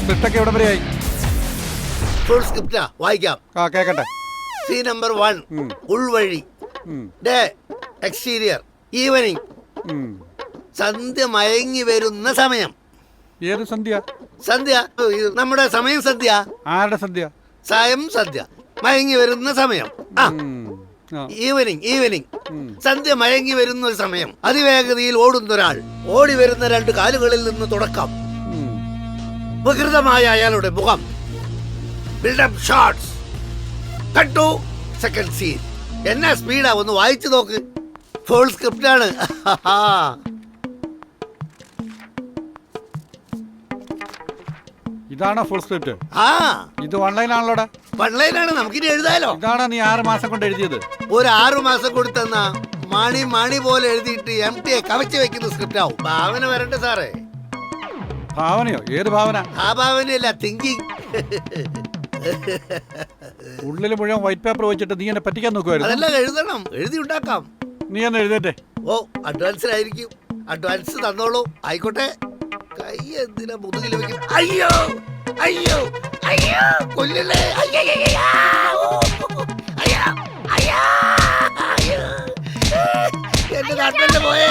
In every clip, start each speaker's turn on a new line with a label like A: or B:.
A: സ്ക്രിപ്റ്റൊക്കെ എവിടെ വരെയായി?
B: ഫുൾ സ്ക്രിപ്റ്റാ, വായിക്കാം.
A: കേക്കട്ടെ.
B: സീൻ നമ്പർ 1, ഉൾവഴി. Day exterior, evening. സന്ധ്യ മയങ്ങി വരുന്ന സമയം.
A: ഏത് സന്ധ്യ?
B: സന്ധ്യ നമ്മുടെ സമയം. സന്ധ്യ
A: ആരുടെ സന്ധ്യ?
B: സായം സന്ധ്യ, മയങ്ങി വരുന്ന സമയം. Evening, evening. സന്ധ്യ മയങ്ങി വരുന്ന ഒരു സമയം. അതിവേഗതയിൽ ഓടുന്ന ഒരാൾ, ഓടി വരുന്ന 2 കാലുകളിൽ നിന്ന് തുടക്കം. വികൃതമായ അയാളുടെ മുഖം. Build up shots. Cut to second scene. എന്നാ സ്പീഡാ, ഒന്ന് വായിച്ചു നോക്ക്. ഫുൾ സ്ക്രിപ്റ്റാണ്.
A: ഇതാണോ ഫുൾ സ്ക്രിപ്റ്റ്? ഇത് ഓൺലൈൻ ആണല്ലോടാ.
B: ഓൺലൈനാണ്, നമുക്കിനി എഴുതാലോ.
A: ഇതാണോ നീ 6 മാസം കൊണ്ട് എഴുതിയത്?
B: ഒരു 6 മാസം കൊടുത്തെന്ന മണി പോലെ എഴുതിയിട്ട് MTA കവച്ച് വെക്കുന്ന സ്ക്രിപ്റ്റ് ആവും. ഭാവന വരട്ടെ സാറേ.
A: ഭാവനയോ? ഏത് ഭാവന?
B: ആ ഭാവനയല്ല, തിങ്കിങ്.
A: ഉള്ളിൽ മുഴുവൻ വൈറ്റ് പേപ്പർ വെച്ചിട്ട് നീ എന്നെ പറ്റിക്കാൻ നോക്കുവായിരുന്നു.
B: അതെല്ലാം എഴുതണം, എഴുതി ഉണ്ടാക്കാം.
A: നീ എന്ന് എഴുതേറ്റെ?
B: ഓ, അഡ്വാൻസിലായിരിക്കും. അഡ്വാൻസ് തന്നോളൂ. ആയിക്കോട്ടെ. കൈ എന്തിനാ മുതുകിൽ വെക്കുന്നത്? അയ്യോ അയ്യോ അയ്യോ, കൊല്ലല്ലേ. എന്റെ നാട്ടിലെ പോയേ.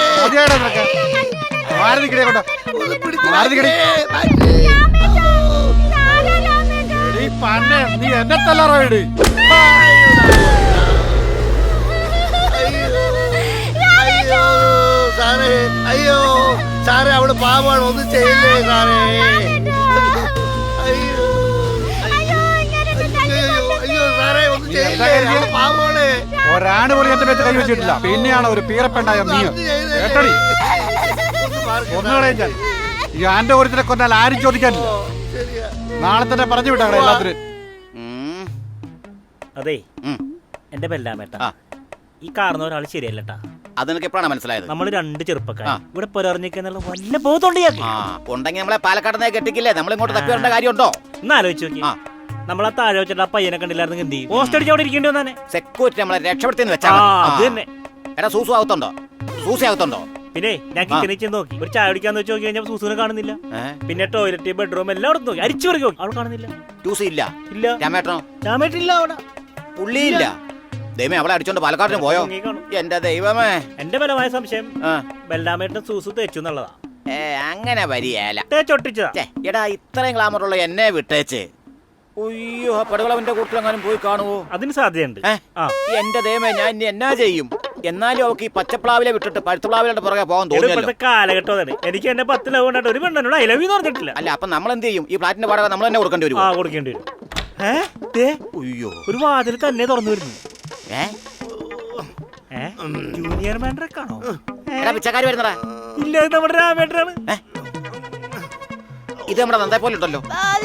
A: നീ എന്നെ തല്ലാറോ?
B: സാറേ, അയ്യോ സാറേ, അവള് പാവാണ്, ഒന്നും ചെയ്യില്ലേ സാറേ. അയ്യോ അയ്യോ സാറേ, ഒന്നും ചെയ്യില്ലേ, പാവാണ്.
A: ഒരാണ് പോലും എന്റെ പേച്ച് കൈ വെച്ചിട്ടില്ല. പിന്നെയാണ് ഒരു പീറപ്പെണ്ടായ നീ. കേട്ടടി, ഒന്നുകളെ ഞാൻ ഈ ആന്റെ ഓരത്തിനെ കൊന്നാൽ ആരും ചോദിക്കാനില്ല. നാളെ തന്നെ പറഞ്ഞു വിട്ടാ എല്ലാത്തിനും.
C: അതെ, എന്റെ ബെല്ലാമേട്ട, ഈ കാണുന്ന ഒരാൾ ശരിയല്ലട്ടാ.
D: അതെനിക്ക് എപ്പോഴാണ് മനസ്സിലായത്?
C: നമ്മള് 2 ചെറുപ്പക്കാർ ഇവിടെ പുലർന്നിക്കുന്നുള്ള വല്ല ബോധമുണ്ടെങ്കിൽ
D: നമ്മളെ പാലക്കാട് കെട്ടിക്കില്ലേ? നമ്മൾ ഇങ്ങോട്ട് തപ്പി വരേണ്ട കാര്യമുണ്ടോ?
C: ഒന്ന് ആലോചിച്ച് നോക്കി. നമ്മളെ താഴെ വെച്ചിട്ട് ആ പയ്യനെ കണ്ടില്ലായിരുന്നു. എന്ത് ചെയ്യും? പോസ്റ്റ് അടിച്ച് അവിടെ ഇരിക്കേണ്ടി വന്നെ.
D: സെക്യൂരിറ്റി നമ്മളെ രക്ഷപ്പെടുത്തിന്ന് വെച്ചാ
C: അത് തന്നെ.
D: എടാ, സൂസു ആവത്തുണ്ടോ? സൂസി ആവത്തുണ്ടോ?
C: പിന്നെ ഞാൻ കിച്ചണിൽ ചെന്ന് നോക്കി, ഒരു ചായ കുടിക്കാന്ന് വെച്ച് നോക്കി കഴിഞ്ഞാൽ സൂസൂനെ കാണുന്നില്ല. പിന്നെ ടോയ്ലറ്റ്, ബെഡ്റൂം എല്ലായിടത്തും നോക്കി, അരിച്ചു പറക്കി നോക്കി, അവൾ കാണുന്നില്ല.
D: ടൂസി ഇല്ല.
C: ഇല്ല. രാമേട്ടില്ല അവിടെ.
D: പുള്ളിയില്ല. ദൈവമേ, അവളെ അടിച്ചോണ്ട് പാലക്കാടിന് പോയോ? എന്റെ ദൈവമേ,
C: എന്റെ ബലമായ സംശയം ബെല്ലാമേട്ടിന് സൂസു തേച്ചു എന്നുള്ളതാ.
D: അങ്ങനെ വരികയല്ല,
C: തേച്ചൊട്ടിച്ചതാ.
D: എടാ, ഇത്രയും ഗ്ലാമറുള്ള എന്നെ വിട്ടേച്ച് അയ്യോ പടുകളവന്റെ കൂട്ടിലെങ്ങാനും പോയി കാണുവോ?
C: അതിന് സാധ്യതയുണ്ട്.
D: എന്റെ ദൈവമേ, ഞാൻ ഇനി എന്നാ ചെയ്യും? എന്നാലും അവർക്ക് ഈ പച്ചപ്ലാവിലെ വിട്ടിട്ട് പഴുത്തപ്ലാവിലെ പുറകെ പോകാൻ തോന്നുന്നു.
C: കാലഘട്ടം അതാണ്. എനിക്ക് എന്നെ 10 ലവ് കൊണ്ടിട്ട് ഒരു പെണ്ണോട് ഐ ലവ് യു പറഞ്ഞിട്ടില്ല.
D: അല്ല, അപ്പൊ നമ്മൾ എന്ത് ചെയ്യും? ഈ ഫ്ലാറ്റിന്റെ വാടക നമ്മൾ തന്നെ കൊടുക്കേണ്ടി വരും.
C: കൊടുക്കേണ്ടി വരും. ഒരു വാതിൽ തന്നെ തുറന്നു വരുന്നു. ജൂനിയർ മാൻഡ്രക്കാണോ?
D: പിച്ചക്കാര് വരുന്നടാ.
C: ഇല്ല, ഇത് നമ്മുടെ രാമേട്ടനാണ്.
D: ഇത് നമ്മുടെ നന്ദേ പോലെ ഉണ്ടല്ലോ.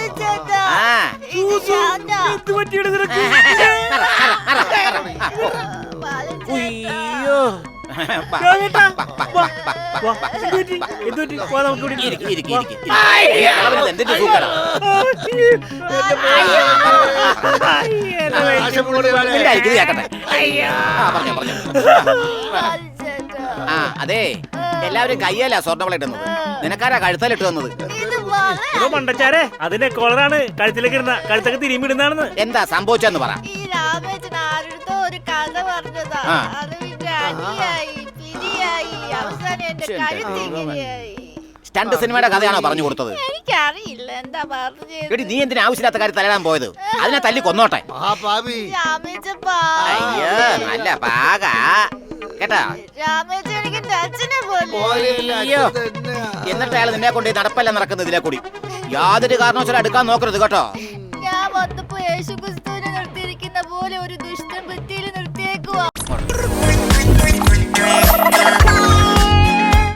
D: അതെ, എല്ലാവരും കയ്യല്ല സ്വർണ്ണവള ഇടുന്നത്. നിനക്കാരാ കഴുത്തലിട്ട് തന്നത്?
C: മണ്ടച്ചാരെ, അതിന്റെ കോളറാണ് കഴുത്തിലേക്ക് ഇടുന്ന. കഴുത്തൊക്കെ തിരുമ്പിടുന്നാണെന്ന്.
D: എന്താ സംഭവിച്ചെന്ന് പറ.
E: ഒരു കഥ പറഞ്ഞതാ.
D: സ്റ്റണ്ട് സിനിമയുടെ കഥയാണോ പറഞ്ഞു കൊടുത്തത്?
E: എനിക്കറിയില്ല എന്താ പറഞ്ഞത്.
D: എടി, നീ എന്തിനാ ആവശ്യമില്ലാത്ത കാര്യം തലയിടാൻ പോയത്? അതിനെ തല്ലി കൊന്നോട്ടെ. അയ്യോ, നല്ല പാക കേട്ടാ. എന്നിട്ട് അയാൾ നിന്നെ കൊണ്ട് നടപ്പല്ല നടക്കുന്നത് ഇതിലെ കൂടി. യാതൊരു കാരണവശാലും എടുക്കാൻ നോക്കരുത് കേട്ടോ.
E: ഞാൻ വന്നപ്പോ യേശുക്ക്